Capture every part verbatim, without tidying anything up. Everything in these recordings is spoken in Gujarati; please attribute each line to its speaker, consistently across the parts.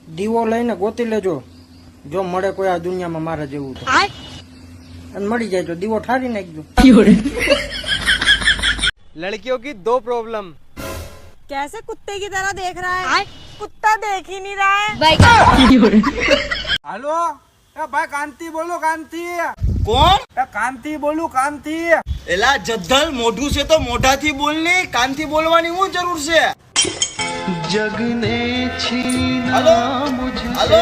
Speaker 1: દીવો લઈને ગોતી લેજો, જો મળે કોઈ આ દુનિયામાં મારા જેવું તો, અને મળી જાય તો દીવો ઠારી નાખજો।
Speaker 2: लड़कियों की दो प्रॉब्लम।
Speaker 3: कैसे कुत्ते की तरह देख रहा है? कुत्ता देख ही नहीं रहा है।
Speaker 1: હાલો એ ભાઈ, કાંતિ બોલો, કાંતિ।
Speaker 4: કોણ?
Speaker 1: એ કાંતિ બોલું, કાંતિ।
Speaker 4: એલા જદ્દલ, મોઢું છે તો મોઢાથી બોલ ને, કાનથી બોલવાની શું જરૂર છે? જગને હાલો હાલો,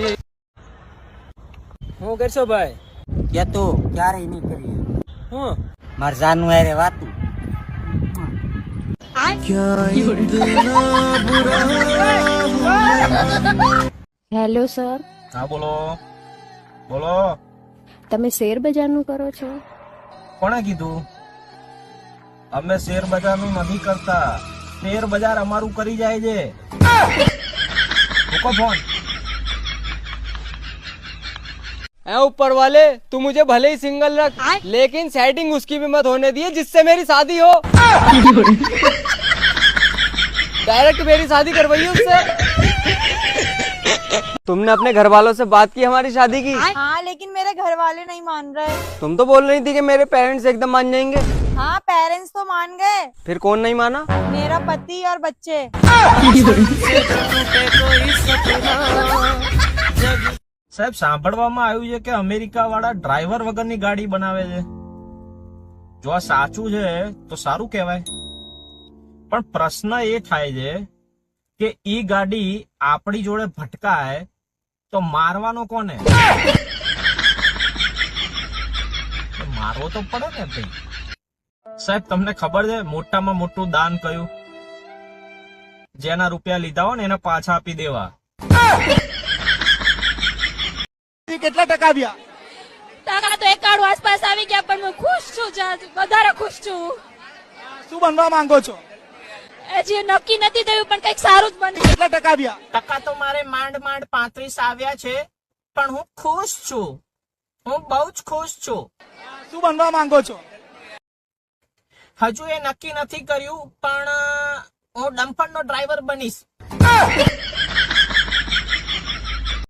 Speaker 2: હું કરશો ભાઈ?
Speaker 1: કે તો ક્યારેય નહીં કરીએ
Speaker 2: હું
Speaker 1: માર જાનું આરે વાતું।
Speaker 5: હેલો સર,
Speaker 6: હા બોલો બોલો,
Speaker 5: તમે શેર બજારનું કરો છો?
Speaker 6: કોણે કીધું? અમે શેર બજારનું નથી કરતા, શેર બજાર અમારું કરી જાય છે। મૂકો ફોન।
Speaker 2: ऐ ऊपर वाले, तू मुझे भले ही सिंगल रख, लेकिन सेटिंग उसकी भी मत होने दिए जिससे मेरी शादी हो। डायरेक्ट मेरी शादी करवाइए उससे। तुमने अपने घर वालों से बात की हमारी शादी की?
Speaker 3: हाँ, लेकिन मेरे घर वाले नहीं मान रहे।
Speaker 2: तुम तो बोल रही थी कि मेरे पेरेंट्स एकदम मान जाएंगे।
Speaker 3: हाँ, पेरेंट्स तो मान गए,
Speaker 2: फिर कौन नहीं माना?
Speaker 3: मेरा पति और बच्चे।
Speaker 6: સાહેબ, સાંભળવામાં આવ્યું છે કે અમેરિકા વાળા ડ્રાઈવર વગરની ગાડી બનાવે છે। જો આ સાચું છે તો સારું કહેવાય, પણ પ્રશ્ન એ થાય છે કે ઈ ગાડી આપણી જોડે ભટકાય તો મારવાનો કોને? મારવો તો પડે ને ભાઈ। સાહેબ, તમને ખબર છે મોટામાં મોટું દાન કયું? જેના રૂપિયા લીધા હોય ને એને પાછા આપી દેવા।
Speaker 4: કેટલા ટકા આવ્યા?
Speaker 7: ટકા તો એકાણું આસપાસ આવી ગયા, પણ હું ખુશ છું, વધારે ખુશ છું।
Speaker 4: શું બનવા માંગો છો?
Speaker 7: હજી નક્કી નથી થયું, પણ કઈક સારું જ બને।
Speaker 4: કેટલા ટકા આવ્યા?
Speaker 6: ટકા તો મારે માંડ માંડ પાંત્રીસ આવ્યા છે, પણ હું ખુશ છું, હું બહુ જ ખુશ છું।
Speaker 4: શું બનવા માંગો છો?
Speaker 6: હજુ એ નક્કી નથી કર્યું, પણ હું ડમ્પરનો ડ્રાઈવર બનીશ।